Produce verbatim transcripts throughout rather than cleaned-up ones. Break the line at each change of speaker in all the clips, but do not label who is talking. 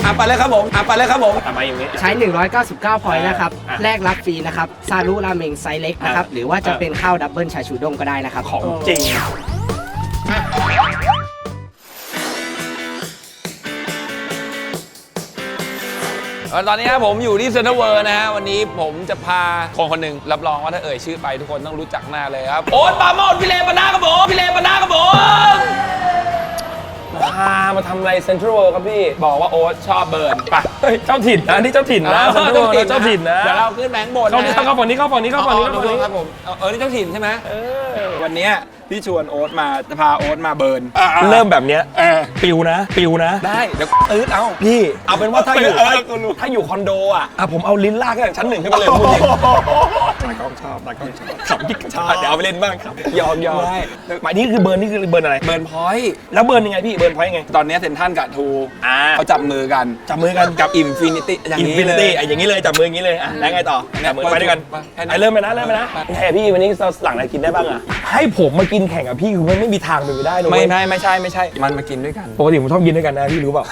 อ่ะไปเลยครับผมอ่ะไปเลยครับผม
ทำไมอย่างนี้
ใช้หนึ่งร้อยเก้าสิบเก้าพอยต์นะครับแลกรับฟรีนะครับซารุราเมงไซส์เล็กนะครับหรือว่าจะเป็นข้าวดับเบิลชาชูด้งก็ได้นะครับ
ของจริง
ตอนนี้ผมอยู่ที่เซ็นทรัลเวิลด์นะฮะวันนี้ผมจะพาคนคนหนึ่งรับรองว่าถ้าเอ่ยชื่อไปทุกคนต้องรู้จักหน้าเลยครับโอ๊ตปาโมดพี่เลปนาครับผมพี่เลปนาครับผม
พามาทำอะไรเซ็นทรัลเวิลด์ครับพี่
บอกว่าโอ๊ตชอบเบิร์นไป
เฮ้ยเจ้าถิ่นนะนี่เจ้าถิ่นนะเซ็นทรัลเวิลด์เจ้าถิ่นนะ
เดี๋ยวเราขึ้นแบงค์บน
เข้านี่เข้าฝั่งนี้เข้าฝั่งนี้เข้าฝั่งนี้เข้าฝั่งนี้
ครับผมเออนี่เจ้าถิ่นใช่ไหมวันนี้พี่ชวนโอ๊ตมาจะพาโอ๊ตมาเบิร์น
เริ่มแบบเนี้ยปิวนะปิวนะ
ได้เดี๋ยวตื้อเอา
พี่เอาเป็นว่าถ้าอยู่ถ้าอยู่คอนโดอ่ะผมเอาลิ้นลากจากชั้นหนึ่งขึ้นไปเลยพูดจริงตากล้องชอบตากล้องชอบขับกิ๊กชอบเดี๋ยวเอาไปเล่นบ้างครับยอมยอมหมายนี้คือเบิร์นนี่คือเบิร์นอะไร
เบิร์นพอยต์
แล้วเบิร์นยังไงพี่เบิร์นพอยต์ยังไง
ตอนนี้เซ็นทรัลกับทูเขาจับมือกัน
จับมือกัน
กับอินฟินิตี้อย่างนี้เลย
อย่างนี้เลยจับมืออย่างนี้เลยอ่ะแล้วไงต่อจับมือไปด้วยกันไอเริ่มไปนะเริ่มไปนะแห่พี่วันนี้เราหลังอะไรกินได้บ้างอ่ะให้ผมมากินแข่งกับพี่คือมันไม่มีทางเป็นไปได้เลย
ไม่ไม่ไม่ใช่ไม่ใช่มันมากินด้วยกัน
ปกติผมชอบกินด้วยกันนะพี่รู้เปล่า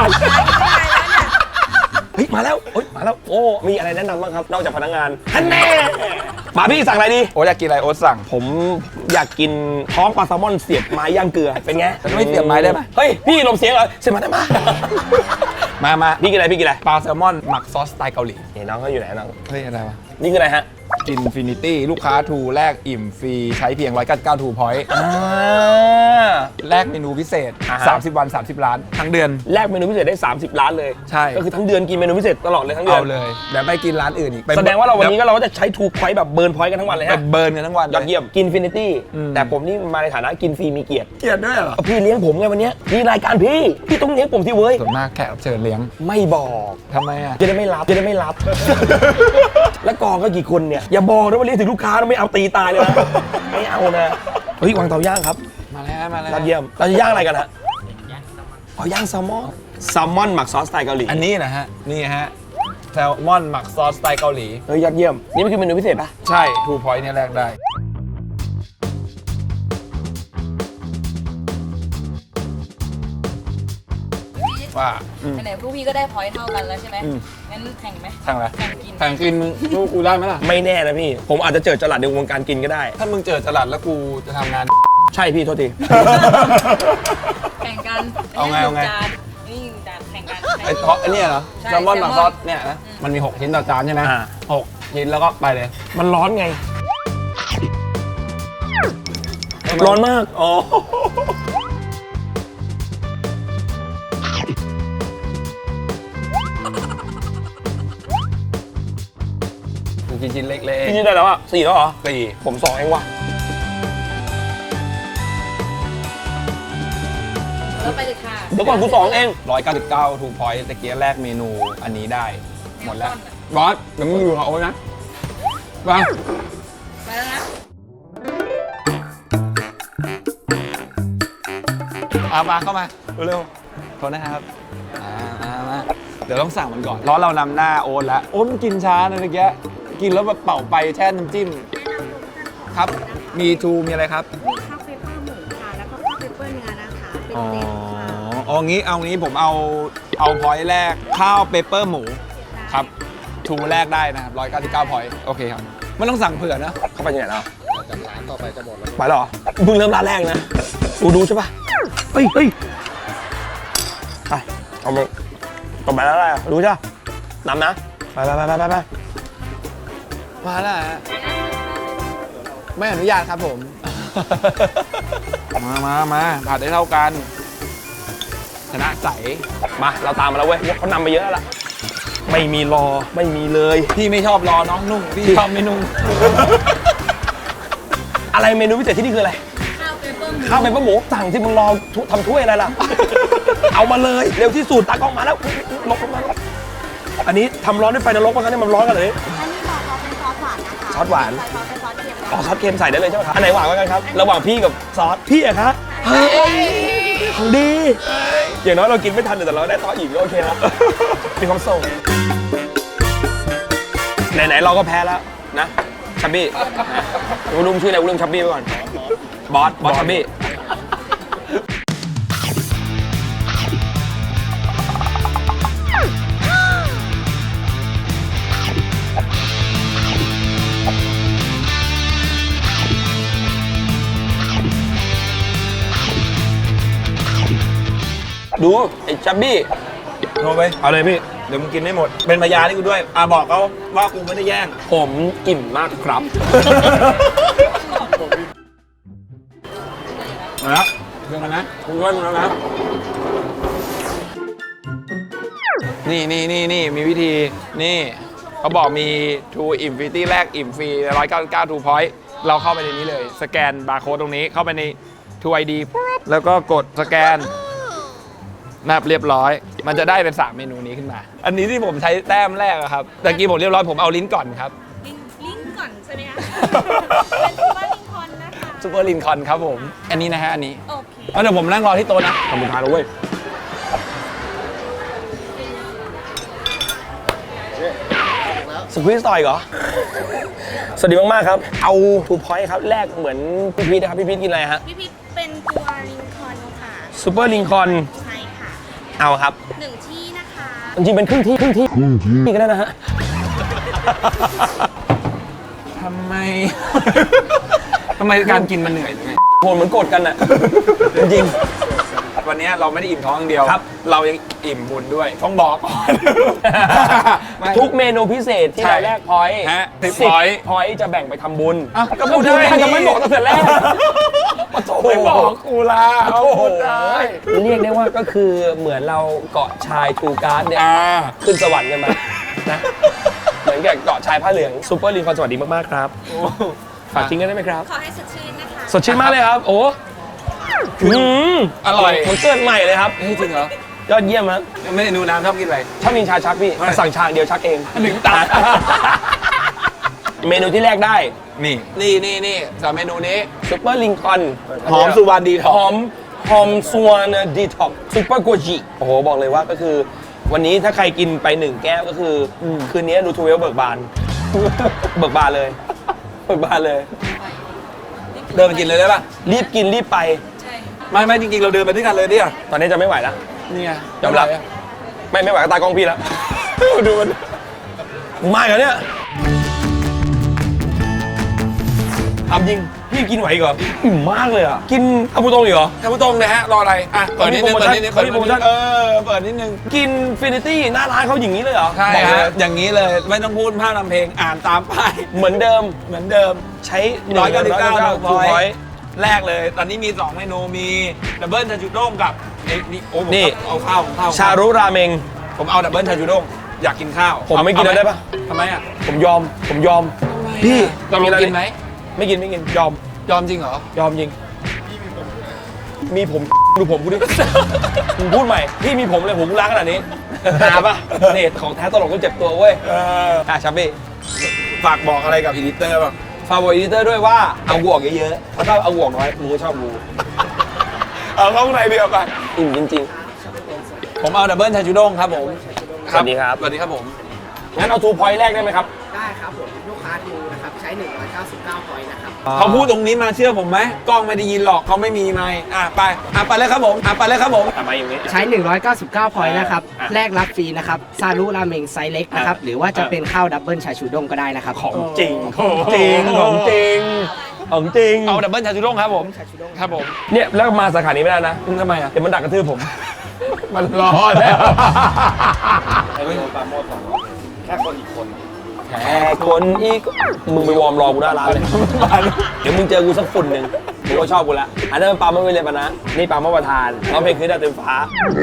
เฮ้ยมาแล้วเฮ้ยมาแล้วโอ้มีอะไรแนะนำบ้างครับนอกจากพนักงานฮันแน่มาพี่สั่งอะไรดี
โอ๊ตอยากกินอะไรโอ๊ตสั่ง
ผมอยากกินท้องปลาแซลมอนเสียบไม้ย่างเกลือเป็นไง
ไม่เสียบไม้ได้ไหม
เฮ้ยพี่ลมเสียงเหรอเสียบไม้ได้ไหม
มามา
พี่กินอะไรพี่กินอะไร
ปลาแซลมอนหมักซอสสไตล์เกาหลี
นี่น้องเขาอยู่ไหนน้อง
เฮ้ยอะไรวะ
นี่คืออะไรฮะ
อินฟินิตี้ลูกค้าทูแลกอิ่มฟรีใช้เพียงหนึ่งร้อยเก้าสิบเก้าทูพอยต์แลกเมนูพิเศษสามสิบวันสามสิบล้านทั้งเดือน
แลกเมนูพิเศษได้สามสิบล้านเลย
ใช่
ก็คือทั้งเดือนกินเมนูพิเศษตลอดเลยทั้งเดือน
เอาเลยเดี๋ยวไปกินร้านอื่นอีก
แสดงว่าเราวันนี้ก็เราก็จะใช้ทูพอยต์แบบเบิร์นพอยต์กันทั้งวันเลยฮะ
เบิร์นกันทั้งวัน
ยอดเยี่ยมกินฟินิตี้แต่ผมนี่มาในฐานะกินฟรีมีเกียรติ
เกียรติด้วยเหรอ
พี่เลี้ยงผมไงวันนี้มีรายการพี่พี่ต้องเลี้ยงผมที่เว้ย
ส่วนมากแขกรับเชิญเลี้ยง
ไม่บอก
ทำไมอ่ะ
จะได้ไม่รับจะได้ไม่รับแล้วกองก็กี่คนเนี่ยอย่าบอกนะว่าเลี้ยงถึงลูกค้าไม่เอาตีตายเลยนะไม่เอานะเฮ้ยวางเตาย่างครับ
มาแล้วมาแล้ว
ยอดเยี่ยมเราจะย่างอะไรกันฮะอ๋อย่างแซลมอนแซลมอนหมักซอสสไตล์เกาหลี
อันนี้นะฮะนี่ฮะแซลมอนหมักซอสสไตล์เกาหลี
เฮ้ยยอดเยี่ยมนี่มันคือเมนูพิเศษปะ
ใช่ทูพอยต์เนี่ยแรกได้ว่า
ไหนพวกพี่ก็ได้พอยต์เท่ากันแล้วใช่ไหมงั้นแข่งไหม
แข่งอะไร
แข่งกิน
แข่งกินลูกกูได้ไหมล่ะ
ไม่แน่นะพี่ผมอาจจะเจอจลัดในวงการกินก็ได้
ถ้ามึงเจอจลัดแล้วกูจะทำงาน
ใช่พี่โทษที
แข่งกัน
เอาไงเอาไง
นี่จานแข่งกัน
ไอ้ท็อปไอ้นี่เหรอแซลมอนหมักซอสเนี่ยนะมันมีหกชิ้นต่อจานใช่ไหมหกชิ้นแล้วก็ไปเลย
มันร้อนไงร้อนมากอ๋อ
กินชิ้นเล็กๆ
กินชิ้นได้แล้วอ่ะสี่แล้วเหรอ
สี่
ผมสองเองว่ะ
แล้วไปเลยค่ะ
เดี๋ยวก่อนกูสองเอง
ร้อยเก้าสิบเก้าทูพอยต์ตะเกียร์แรกเมนูอันนี้ได้หมดแล้วบอสเดี๋ยวมึงอยู่กับโอ๊ตนะวาง
ไปแล้วนะ
อามาเข้ามาเร็วๆโทษนะครับอ่ามาเดี๋ยวต้องสั่งมันก่อนร้อนเรานำหน้าโอ๊ตแล้วโอ๊ตมันกินช้านะตะเกียกินแล้วแบบเป่าไปแช่น้ำจิ้มครับมีทูมีอะไรครับ
มีข้าวเปเปอร์หมูค่ะแล้วก็ข้าวเปเปอร์เนื้อนะคะเป็นเต็มค่ะ
อ๋องี้เอางี้ผมเอาเอาพอยต์แรกข้าวเปเปอร์หมูครับทูแรกได้นะครับร้อยเก้าสิบเก้าพอยต์โอเคครับไม่ต้องสั่งเผื่อนะ
เข้าไปที่ไหนแล้ว
จากร้านต่อไปจะหมดแล้ว
ไปหรอมึงเริ่มร้านแรกนะกูดูใช่ปะเฮ้ยเฮ้ยไปเอาไปต่อไปแล้วอะไรดูใช่นำนะไปไปไปไปไป
มาแล้วฮะไม่อนุญาตครับผมมามามาผัดได้เท่ากันชนะใส
มาเราตามมาแล้วเว้ยเขานำไปเยอะแล้วล่ะไม่มีรอไม่มีเลย
พี่ไม่ชอบรอน้องนุ่งพี่ชอบไม่นุ่ง
อะไรเมนูพิเศษที่นี่คืออะไร
ข้าวเปเปอร์หมู
ข้าวเปเปอร์หมูสั่งที่มึงรอทำถ้วยอะไรล่ะเอามาเลยเร็วที่สุดตากล้องมาแล้วลงมาอันนี้ทำร้อนด้วยไฟนรกมั้งเนี่ยมันร้อนกันเลย
อันนี้บอกเขาเป็นซอสหวานนะคะ
ซอสหวาน
ซอสเค็ม
อ๋อซอสเค็มใส่ได้เลยใช่ไหมครับอันไหนหวานกว่ากันครับระหว่างพี่กับซอสพี่อะครับเฮ้ยของดีอย่างน้อยเรากินไม่ทันแต่เราได้ต่ออีกก็โอเคแล้วมีความสุขไหนๆเราก็แพ้แล้วนะชับบี้กูลืมชื่ออะไรกูลืมชับบี้ไปก่อนบอสบอสชับบี้ดูไอ้ชับบี้
โทรไป
เอาเลยพี่
เดี๋ยวมึงกินไม่หมด เป็นพยานให้กูด้วยอ่ะบอกเขาว่ากูไม่ได้แย่ง
ผมอิ่มมากครับ
มาแล้วเรื่องกันนะคุณด้วยมึงแล้วนะนี่นี่นี่นี่มีวิธีนี่เขาบอกมี True Infinity แรกอิ่มฟรีหนึ่งร้อยเก้าสิบเก้า True Point เราเข้าไปในนี้เลย สแกนบาร์โค้ดตรงนี้เข้าไปใน True ไอ ดี ปุ๊บแล้วก็กดสแกนนับเรียบร้อย มันจะได้เป็นสามเมนูนี้ขึ้นมา อันนี้ที่ผมใช้แต้มแรกอะครับตะกี้ผมเรียบร้อยผมเอาลิ้นก่อนครับ
ลิงลิงก์ก่อนใช่ไหมคะ เป็นซูเปอร์ลิงคอนนะคะ
ซูเปอร์ลินคอนครับผม อันนี้นะฮะอันนี้
โอเค
เอาเดี๋ยวผมนั่งรอที่โต๊ะนะ
ทำบุญทานแล้วเว้ยสควีสต่อยเหรอ สวัสดีมาก ๆ ครับ เอาทูพอยต์ครับ แรกเหมือนพี่พีทนะครับ พี่พีทกินอะไรฮะ
พี่พิษเป็นตัวลิงคอนค่ะ
ซูเปอร์ลิงคอน
ใช่ค่ะ
เอาครับ
หนึ่งที่นะคะ
จริงๆเป็นครึ่งที่ครึ่งที่นี่ก็ได้นะฮะ
ทำไม ทำไมการกินมันเหนื่อยหรือไง
โหเหมือนโกรธกันอ่ะ จริง
วันนี้เราไม่ได้อิ่มท้องอย่างเดียว
ครับ
เรายังอิ่มบุญด้วย ต้องบอกก่อน
ทุกเมนูพิเศษที่
ใช่
เราแลกพอยต์
ฮะสิบ
สิบ
point
พอยต์จะแบ่งไปทำบุญ
อ่ะก็พูดได้
ทำไมบอกตั้งแต่แรก
ไม่บอกกูละเอาพูดได้
เรียกได้ว่าก็คือเหมือนเราเกาะชายทูการ์ดเนี่ย
อ่า
ขึ้นสวรรค์กันมานะเหมือนกับเกาะชายผ้าเหลืองซูเปอร์ลิงคอนสวัสดีมาก ๆ ครับฝากทิ้งกันได้ไหมครับ
ขอให้สดชื่นนะคะ
สดชื่นมากเลยครับ โอ้อืม
อร่อย
เหมือนเกิดใหม่เลยครับ
เฮ้ยจริงเหรอ
ยอดเยี่ยมครับ
ไม่ได้ดูน้ำชอบกินอะไร
ชอบกินชาชักพี่
ไม่
แต่สั่งชาเดียวชักเอง
หนึ่งตา
เมนูที่แรกได้
นี่ นี่นี่นี่สามเมนูนี้
ซูเปอร์ลิงคอน
หอมสุวรรณดีท
ห
อ
อมหอมส่วนดีท็อกซูเปอร์โกจิโอ้โห บอกเลยว่าก็คือ วันนี้ถ้าใครกินไปหนึ่งแก้วก็คืออคืนนี้ดูทูเวลเบิกบาน เบิกบานเลย เบิกบานเลย
เดินไปกินเลยได้ป่ะ
รีบกินรีบไป
ใช่
ไม่ไม่จริงๆ เราเดินไปด้วยกันเลยเนี่ย
ตอนนี้จะไม่ไหวแล้ว
นี่ไง
ยอมรับ ไม่ไม่ไหวก็ตากล้องพี่แล้ว ดูมันไม่เหรอเนี่ยทำจริง พี่กินไหวอีกเหรออิ่มมากเลยอ่ะ กินอาบูตงอีกเหรอ
ท่านผู้ชมเลยฮะ รออะไร อ่ะ เปิดนิดนึง เปิดนิดนึง
เขามีโปรโมชั่น
เออ เปิดนิดนึง
กินฟินิตี้หน้าร้านเขาอย่างนี้เลยเหรอ
ใช่
บอกเล
ฮะ
ย
อย่างนี้เลย ไม่ต้องพูดภาพนำเพลง อ่านตามป้าย
เหมือนเดิม
เหมือนเดิม
ใช้
ร้อยเก้าสิบเก้า
ทู
ทู
พ
พ
อ
อย
ย
ต์แรกเลย ตอนนี้มีสองเมนู มีดับเบิลชาจูด้งกับเอ้ยนี่โอ้ผม
นี่
เอาข้าวผมข้าว
ชารุราเมง
ผมเอาดับเบิลชาจูด้ง อยากกินข้าว
ผมไม่กิน
เอา
ได้ปะ
ทำไมอ่ะ
ผมยอม ผมยอม พี่
ตกลงกินไหม
ไม่กินไม่กิน ยอม
ยอมจริงเหรอ
ยอมจริง มีผม ดูผมกูดิ มึงพูดใหม่ พี่มีผมเลยผมล้างขนาดนี้หาปะเนี่ยของแท้ตลกก็เจ็บตัวเว้ย
เออ
อ่ะชับบี้
ฝากบอกอะไรกับอีดิเตอร์บ้าง
ฝากบอกอีดิเตอร์ด้วยว่าเอากูออกเยอะๆเพราะถ้าเอากูออกน้อยมึงก็ชอบกู
เอาเข้าข้างในเดียวกัน
อิ่มจริง
ผมเอาดับเบิลชาจูด้งครับผม
สวัสดีครับ
สวัสดีครับผม
ๆ งั้นเอาทูพอยต์แรกได้ไหมครับ
ได้ครับผม ลูกค้าทูนะครับ ใช้ หนึ่งร้อยเก้าสิบเก้า พอยต์นะครับ
เขาพูดตรงนี้มาเชื่อผมไหมกล้องไม่ได้ยินหรอกเขาไม่มีไมค์อ่ะไปอ่ะไปเลยครับผมอ่ะไปเลยครับผม
ทำไมอย่างนี้
ใช้ หนึ่งร้อยเก้าสิบเก้า พอยต์นะครับ
อ่ะ
แลกรับฟรีนะครับ ซารุราเมงไซส์เล็กนะครับ หรือว่าจะเป็นข้าวดับเบิลชาชูด้งก็ได้นะครับ
ของจริง ของจริง ของจริง ของจริง
เอาดับเบิลชาจูด้งครับผมครับผม
เนี่ยแล้วมาสาขานี้ไม่ได้นะ
ทำไมอ่ะ
เดี๋ยวมันดักกระทืบผม
มันรอแล้ว
แค่คนอีกคน มึงไปวอร์มรอกูหน้าร้านเลย เดี๋ยวมึงเจอกูสักฝุ่นหนึ่งมึงก็ชอบกูละ อันนั้นมันปาไม่เลยปะนะ นี่ปามาประทานร้องเพลงคืนดาวเต็มฟ้า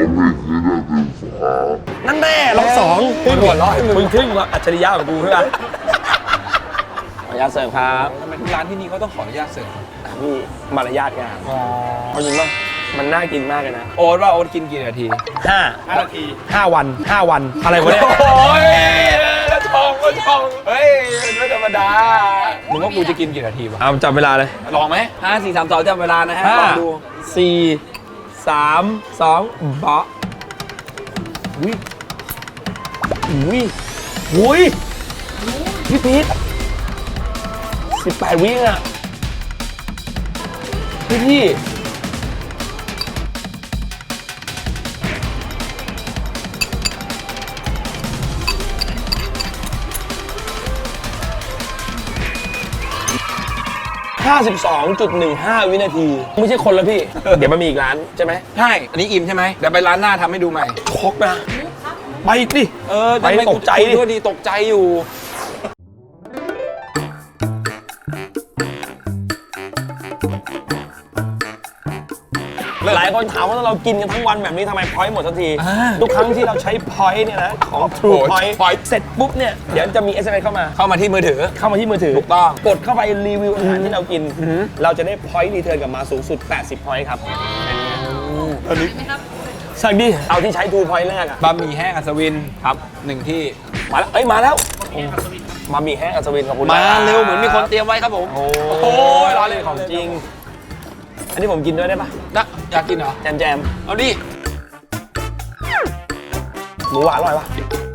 นั่นแน่ร้องสองมึงหัวเร้อยมึงทึ่งว่าอัจฉริยะของกูใช่ไหมขออนุญาตเสริมครับ
ทำไมทุกร้านที่นี่เขาต้องขออนุญาตเสิร์ฟ
อ่ะพี่มารยาทงานเอาจริงป่ะมันน่ากินมากเลยนะ
โอ๊ตว่าโอ๊ตกินกี่นาที
ห้าห้านาทีห้าวันห้าวัน อะไรวะเนี่ย
โอ้ยชองก็ชองเฮ้ยไม่ธรรมดามึงว่ากูจะกินกี่นาทีวะ
เอาจับเวลาเลย
ลองไหมห้าสี่สามสองจำเวลานะฮะ
ห้า
ลองดู
สี่สามสองเบาะอุ้ยอุ้ยอุ้ยพี่พีทสิบแปดวิอ่ะพี่พี่ห้าสิบสองจุดหนึ่งห้า วินาที ไม่ใช่คนแล้วพี่ เดี๋ยวมันมีอีกร้านใช่ไหม
ใช่ อันนี้อิ่มใช่ไหมเดี๋ยวไปร้านหน้าทำให้ดูใหม่
ชกนะ ไปดิ
เออ
ไปตกใจดิ
ด้วยดีตกใจอยู่
หลายคนถามว่าเรากินกันทั้งวันแบบนี้ทำไมพอยต์หมดสักที
อ่า
ทุกครั้งที่เราใช้พอยต์เนี่ยนะ ของ True
โอ้โห
Point
Point
เสร็จปุ๊บเนี่ย เดี๋ยวจะมี เอส เอ็ม เอส เข้ามา
เข้ามาที่มือถือ
เข้ามาที่มือถือ
ถูกต้อง
กดเข้าไปรีวิวอาหารที่เรากิน เราจะได้พอยต์รีเทิร์นกลับมาสูงสุด แปดสิบพอยต์ครับ
ใช่ไหมครับ
สั่งดิ เอาที่ใช้ True Point แรกอะ
บะหมี่แห้งอัศวิน
ครับ
หนึ่งที่
มาแล้ว เอ้ย มาแล้วมามีแห้งอัศวินขอบคุณ
มา
าก
เร็วเหมือนมีคนเตรียมไว้ครับผม
โอ้
โหรอเลย
ของจริง อันนี้ผมกินด้วยได้ปะ
นะอยากกินเหรอ
แจมแจม
เอาดิ
หมูหวานอร่อยปะ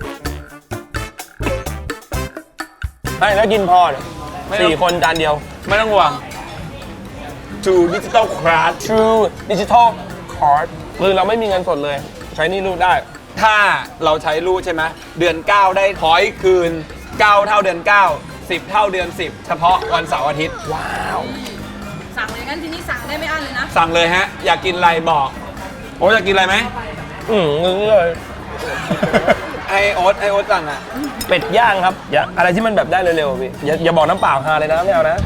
ไม่แล้วกินพอเนี่ยสี่คนจานเดียว
ไม่ต้องห่วง True Digital Card
True Digital Card คือเราไม่มีเงินสดเลย ใช้นี่รูดได้
ถ้าเราใช้รูดใช่ไหมเดือน เก้า ได้พอยต์คืน เก้า เท่าเดือน เก้า สิบ เท่าเดือน สิบ เฉพาะวันเสาร์อาทิตย์
ว้าว
สั่งเลยงั้นทีนี้สั่งได้ไม่อั้นเลยนะ
สั่งเลยฮะ อยากกินอะไรบอก โอ้อยากกินอะไรไหม
อืมงึ้งเลย
ไอโอ๊ตไอโอ๊ตสั่งอ่ะ
เป็ดย่างครับอย่าอะไรที่มันแบบได้เร็วๆพี่อย่าอย่าบอกน้ำเปล่าฮาเลยนะไม่เอานะ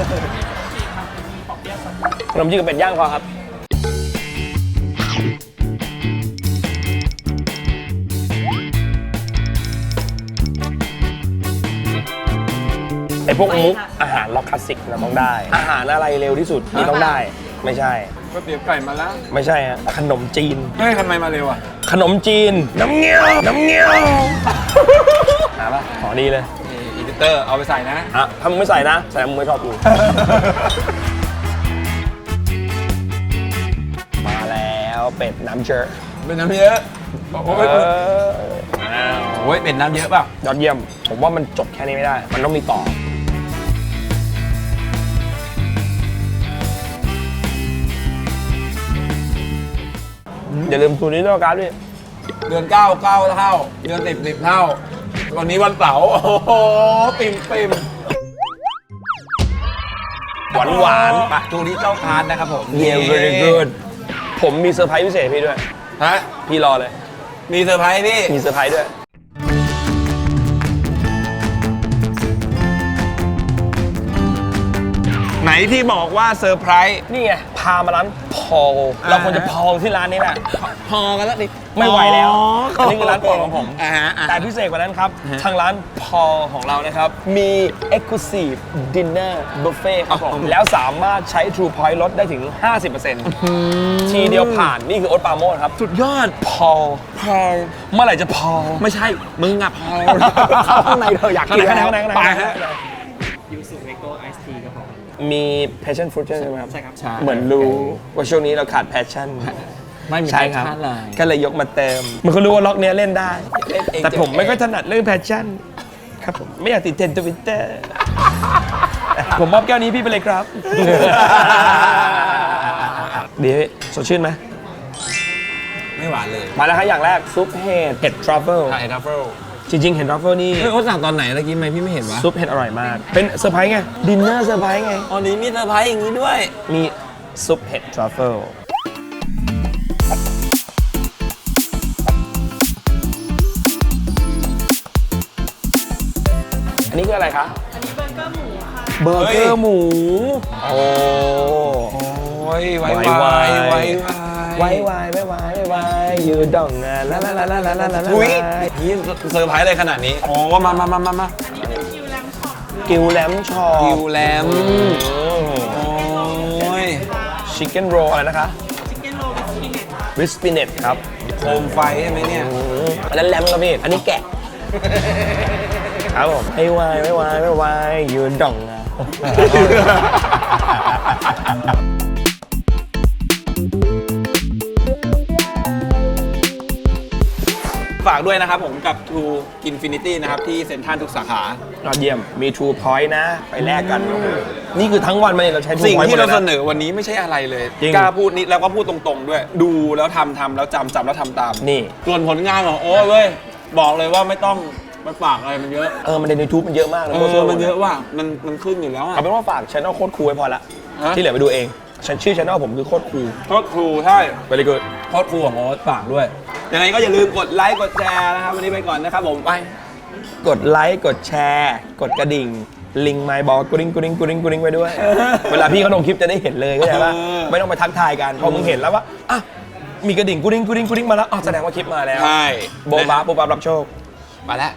ขนมจีนกับเป็ดย่างพอครับไอพวกมุกอาหารล็อกคลาสสิกเราต้องได้ อาหารอะไรเร็วที่สุดนี่ต้องได้ ไม่ใช่
ก๋วยเตี๋ยวไก่มาแล้ว
ไม่ใช่ฮะขนมจีน
เฮ้ยทำไมมาเร็วอ่ะ
ขนมจีน น้ำเงี้ยว น้ำเงี้ยวหาปะขอดีเลย
นี่อีดิเตอร์เอาไปใส่นะ
อ่ะถ้ามึงไม่ใส่นะแสดงมึงไม่ชอบกู มาแล้วเป็ดน้ำเจอ
เป็นน้ำเยอะ โอ้
เอย อ
โอ้ยเป็นน้ำเยอะเปล่ะ
ยอดเยี่ยม ผมว่ามันจบแค่นี้ไม่ได้ มันต้องมีต่อ อย่าลืมตัวนี้ด้วยการ์ดด้วย
เดือน เก้า เก้า เท่า เดือน สิบ สิบ เท่า วันนี้วันเสาร์ โอ้โห ปิ่มปิ่ม
หวานหวาน
ปะทูนี้เจ้าคานนะครับผม
เยี่ยม very good ผมมีเซอร์ไพรส์พิเศษให้พี่ด้วย
ฮะ
พี่รอเลย
มีเซอร์ไพรส์พี่
มีเซอร์ไพรส์ด้วย
ไหนที่บอกว่าเซอร์ไพรส์
นี่ไง พามาร้านพอลเราควรจะพอลที่ร้านนี้แหละ
พอกันแล้วดิ
ไม่ไหวแล้ว อันนี้คือร้านโปรดของผม
อ่าฮะอ่า
แต่พิเศษกว่านั้นครับ ทางร้านพอลของเรานะครับ มี Exclusive Dinner Buffet ครับผม แล้วสามารถใช้ True Point ลดได้ถึง ห้าสิบเปอร์เซ็นต์ ทีเดียวผ่าน นี่คือโอ๊ตปราโมชครับ
สุดยอด
พอลพอลเมื่อไหร่จะพอล
ไม่ใช่ มึงอะพอ
เข้าข้างในเธออยากกิน
ข้างในข้างในข้างใน
ไป
ฮะ
ยูสุเวโก้ไอซ์ทีครับผม
มี passion fruit ใช่ไหมครับ
ใช่ครับ
เหมือนรู้ว่าช่วงนี้เราขาด passion
ไม่มี
ใช่ครับ
passion เลย
ก็เลยยกมาเติม มันก็รู้ว่าล็อกเนี้ยเล่นได้
เล่นเอง
แต่ผม
เจ็บเอง
ไม่ค่อยถนัดเรื่อง passion ครับผม ไม่อยากติดเทรนด์ทวิตเตอร์ ผมมอบแก้วนี้พี่ไปเลยครับ ดีพี่สดชื่นไหม
ไม่หวานเลย
มาแล้วครับอย่างแรกซุปเห็ดเห็ดทรัฟเฟิล
ไข่ทัฟเฟิล
จริงๆเห็ดทรัฟเฟิลนี่
เฮ้ยเขาสั่งตอนไหนเมื่อกี้ไหมพี่ไม่เห็นวะ
ซุปเห็ดอร่อยมาก เป็นเซอร์ไพรส์ไง ดินเนอร์เซอร์ไพรส์ไง
อ๋อนี้มีเซอร์ไพรส์อย่างนี้ด้วย
มีซุปเห็ดทรัฟเฟิลอันนี้คืออะไรคะ
อันนี้เบอร์เกอร์หมูค่ะ
เบอร์เกอร์หมู โอ้
โอ้ยไวไว
ไว
ไว
ไวไวไวไวไวไวยืดดองงานลาลาลาลาลาลาลา
อุ้ยนี่เซอร์ไพรส์เลยขนาดนี้โอ้มามามามามา
กิวแลมช็อป
กิวแลมโอ้ย
ชิคเก้นโรอะไรนะคะ
ชิคเก้นโรลวิสปิเนต
วิสปิเนตครับ
โคมไฟใช่ไหมเนี่ย
อันนั้นแลมครับพี่ อันนี้แกะ ครับผมไม่ไวไม่ไวไม่ไวยืดดองงาน
ฝากด้วยนะครับผมกับ True Infinity นะครับที่เซ็นทรัลทุกสาขาย
อดเยี่ยม มี True Point นะ ไปแลกกัน นี่คือทั้งวันมาเนี่ยเราใช้ True
สิ่ง
Point
ที่เรา
หมด
เส
ลยนะ
นอวันนี้ไม่ใช่อะไรเลย
จริง
กล้าพูดนิดแล้วก็พูดตรงๆด้วย ดูแล้วทำทำแล้วจำจำแล้วทำตาม
นี่
ส่วนผลงานของโอ้ยเว้ยบอกเลยว่าไม่ต้องมันฝากอะไรมันเยอะ
เออมันใน YouTube มันเยอะมากนะ
เอ
โคตร
อ
ซั่ว
มันเยอะว่ะมันมันขึ้นอยู่แล้วอ่ะ
เอาเป็นว่าฝากช่องโคตรครูไว้พอละ
ฮะ
ที่เหลือไปดูเองฉันชื่อช่องผมคือโคตรครู
โคตรครูใช่
ไปเลยกู
โคตรครูของโอ๊ตฝากด้วยยังไงก็อย่าลืมกดไลค์กดแชร์นะครับวันนี้ไปก่อนนะครับผมไป
กดไลค์กดแชร์ กดกระดิ่งลิงไมค์บอกกุริงกุริงกุริงกุริงไปด้วย เวลาพี่เขาลงคลิปจะได้เห็นเลยเข้าใจปะ
เออ
ไม่ต้องไปทักทายกันพอมึงเห็นแล้วว่าอ่ะมีกระดิ่งกุริงกุริงกุริงมาแล้วอ๋อแสดงว่าคลิปมาแล้ว
ใช่
โบบาโบบารับโชค
มาแล้ว